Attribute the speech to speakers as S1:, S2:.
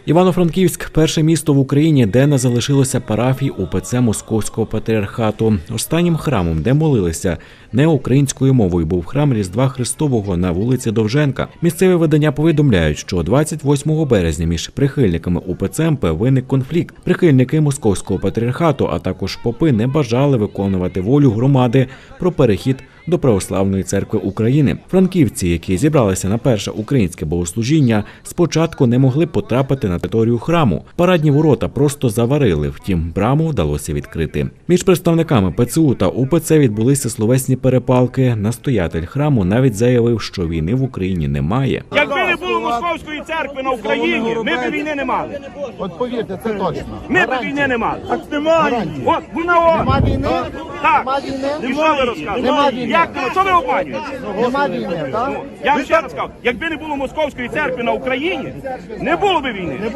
S1: Івано-Франківськ – перше місто в Україні, де не залишилося парафій УПЦ Московського патріархату. Останнім храмом, де молилися не українською мовою, був храм Різдва Христового на вулиці Довженка. Місцеві видання повідомляють, що 28 березня між прихильниками УПЦ МП виник конфлікт. Прихильники Московського патріархату, а також попи не бажали виконувати волю громади про перехід до Православної церкви України. Франківці, які зібралися на перше українське богослужіння, спочатку не могли потрапити на територію храму. Парадні ворота просто заварили, втім, браму вдалося відкрити. Між представниками ПЦУ та УПЦ відбулися словесні перепалки. Настоятель храму навіть заявив, що війни в Україні немає.
S2: Якби не було Московської церкви на Україні, ми б війни не мали.
S3: От повірте, це точно.
S2: Ми б війни не мали.
S3: Так немає.
S2: От, вона
S3: Нема війни?
S2: Так.
S3: Нема війни?
S2: І що ви розказуєте?
S3: Нема війни.
S2: Як ви? Що ви обманюєте?
S3: Нема війни, так?
S2: Я вам ще раз кажу, якби не було Московської церкви на Україні, не було б війни.